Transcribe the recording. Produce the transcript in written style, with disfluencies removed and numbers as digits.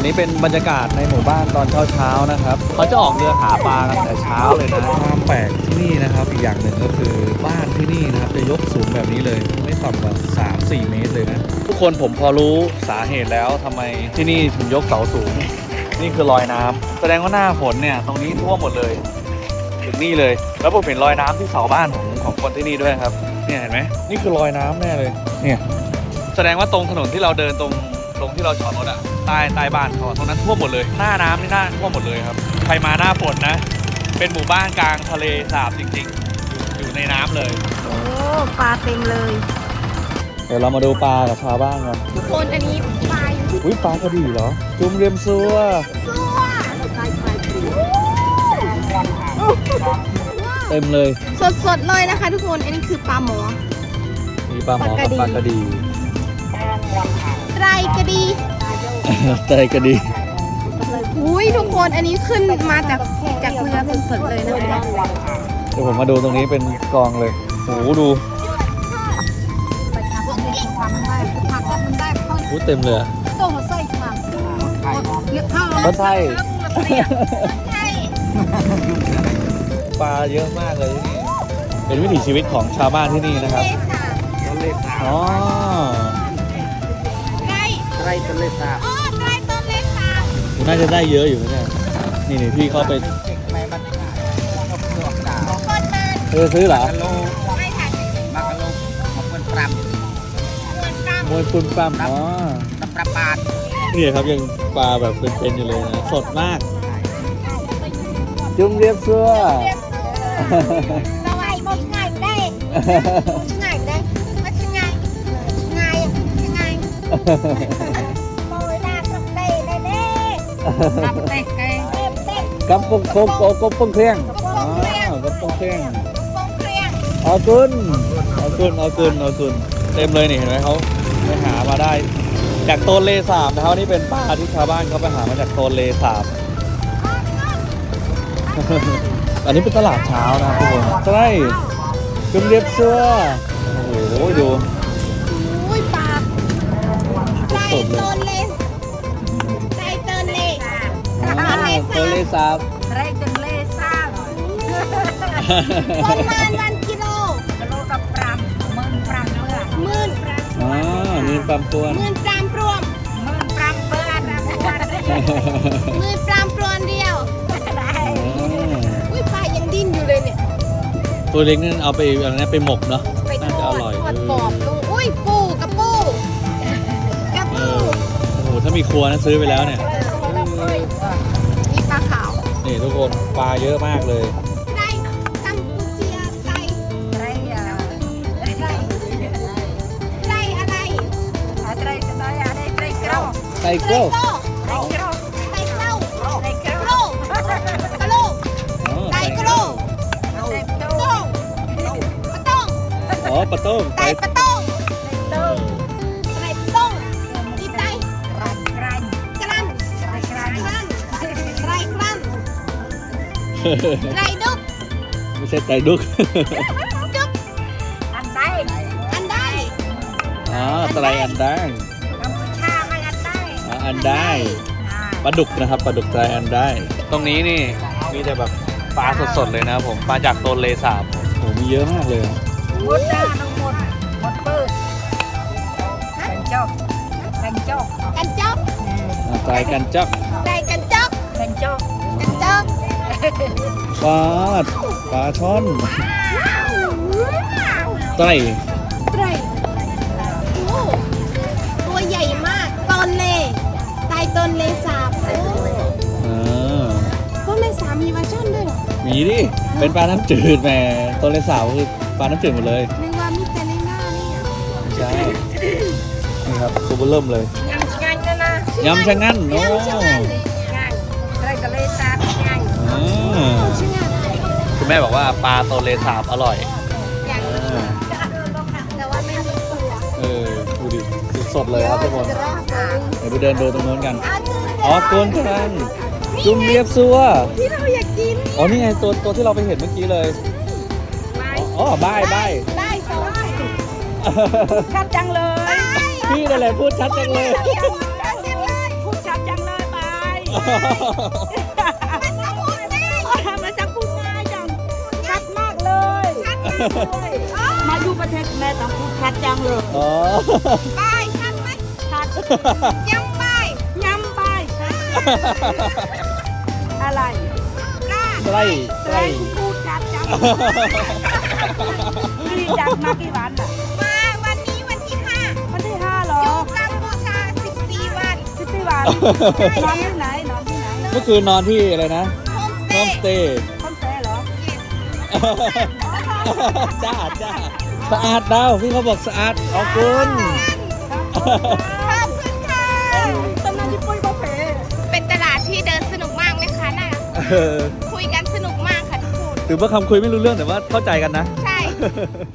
นี้เป็นบรรยากาศในหมู่บ้านตอนเช้าๆนะครับเขาจะออกเรือหาปลากันแต่เช้าเลยนะความแปลกที่นี่นะครับอีกอย่างหนึ่งก็คือบ้านที่นี่นะครับจะยกสูงแบบนี้เลยไม่ต่ำกว่า 3-4 เมตรเลยนะทุกคนผมพอรู้สาเหตุแล้วทำไมที่นี่ถึงยกเสาสูงนี่คือรอยน้ำแสดงว่าหน้าฝนเนี่ยตรงนี้ท่วมหมดเลยถึงนี่เลยแล้วผมเห็นรอยน้ำที่เสาบ้านของคนที่นี่ด้วยครับเนี่ยเห็นไหมนี่คือรอยน้ำแน่เลยเนี่ยแสดงว่าตรงถนนที่เราเดินตรงที่เราจอดรถอะใต้บ้านเขาตรงนั้นท่วมหมดเลยหน้าน้ำนี่หน้าท่วมหมดเลยครับใครมาหน้าฝนนะเป็นหมู่บ้านกลางทะเลสาบจริงๆอยู่ในน้ำเลยโอ้ปลาเต็มเลยเดี๋ยวเรามาดูปลากับชาวบ้านกันทุกคนอันนี้ปลาอยู่อุ้ยปลากระดี่เหรอจุ่มเรียมซัวซัวเต็มเลยสดๆเลยนะคะทุกคนอันนี้คือปลาหมอมีปลาหมอกับปลากระดี่ไตรกระดีไตรกระดี่อุ้ยทุกคนอันนี้ขึ้นมาจากเรือสดๆเลยนะคะเดี๋ยวผมมาดูตรงนี้เป็นกองเลยโหดูโหเต็มเลยก็ใช่ปลาเยอะมากเลยที่นี่เป็นวิถีชีวิตของชาวบ้านที่นี่นะครับอ๋อไตรต้นเลสาบอ๋อไตรต้นเลสาบน่าจะได้เยอะอยู่นะเนี่ยนี่พี่เขาไปซื้อเหรอมวยปุนปั๊มอ๋อนี่ครับยังปลาแบบเป็นอยู่เลยนะสดมากจุ่มเรียบเสื้อสวัสดีผมง่ายได้ง่ายได้ไม่ใช่ง่ายโอ้ยลาสักเตะได้เด้สักเตะไก่กับปงเครื่องอ๋อกับปงเครื่องเอากุนเต็มเลยนี่เห็นไหมเขาไปหามาได้จากโตนเลสาบนะครับนี่เป็นปลาที่ชาวบ้านเขาไปหามาจากโตนเลสาบอันนี้เป็นตลาดเช้านะครับทุกคนใช่จุ่มเรียบเสื้อโอ้โหดูปลาสดเลยไตรต้นเลโตนเลสาบไตรต้นเลสาบประมาณ1 กิโลกับปรามหมื่นปรามเพื่อหมื่นอ๋อหมื่นปรามตัวหมื่นปรามรวมหมื่นปรามเพื่อนหมื่นปรามปลวนเดียวอุ้ยปลายังดิ้นอยู่เลยเนี่ยตัวเล็กนั่นเอาไปอะไรนะไปหมกเนาะน่าจะอร่อยทอดกรอบดูอุ้ยปูกระปูโอ้โหถ้ามีครัวนะซื้อไปแล้วเนี่ยนี่ปลาขาวนี่ทุกคนปลาเยอะมากเลยไตกัมพูเชียไตอะไรไตเกล้ากอ๋อปลาต้งไตปลาต้งอีไตกรันไตดุกไม่ใช่ไตดุกอันได้อ๋อไตอันได้กัมพูชาไม่อันได้อันได้ปลาดุกนะครับปลาดุกไตอันได้ตรงนี้นี่มีแต่แบบปลาสดๆเลยนะผมปลาจากโตนเลสาบโอ้มีเยอะมากเลยหมดได้ทั้งหมดเปิดกันจอกไตกันจอกปลาช่อนไตตัวใหญ่มากต้นเลสาบต้นเลสาบมีปลาช่อนด้วยเหรอมีดิเป็นปลาน้ำจืดแหมโตนเลสาบคือปลาน้ำจืดหมดเลยนึกว่ามีแต่ในหน้านี่ใช่นี่ครับตัวเริ่มเลยยำชะงันนะยำชะงันโอ้ไตรทะเลสาบง่ายคุณแม่บอกว่าปลาโตนเลสาบอร่อยแต่ว่าไม่มีตัวดูดิสดเลยครับทุกคนเดี๋ยวไปเดินดูตรงโน้นกันอ๋อกุนกันจุ่มเรียบซัวที่เราอยากกินอ๋อนี่ไงตัวที่เราไปเห็นเมื่อกี้เลยอ๋อบายสองชัดจังเลยพี่นั่นแหละพูดชัดจังเลยพูดชัดจังเลยบามันจะพูดง่ายจังชัดมากเลย มาอยู่ประเทศแม่ต้องพูดชัดจังเลยอ๋อไปชัดไหมชัดยังไปย้ำไปชัดอะไรปลาใกล้ใครพูดชัดจังนี่จากมากี่วันอ่ะมาวันนี้วันที่วันที่5เหร 5 ออยู่กัมพูชา14 วัน 14 วันนอนที่ไหนนอนที่ไหนเมื่อคืนนอนที่อะไรนะโฮมสโฮเตมย์สเตย์คอนเสิร์ตเหรอจ้าจ้าสะอาดดาวพี่เขาบอกสะอาดขอบคุณขอบคุณค่ะตำนานที่ปุ้ยบอกเพเป็นตลาดที่เดินสนุกมากไหมคะน่ะเออคุยกันสนุกมากค่ะทุกคนถือว่าคำคุยไม่รู้เรื่องแต่ว่าเข้าใจกันนะใช่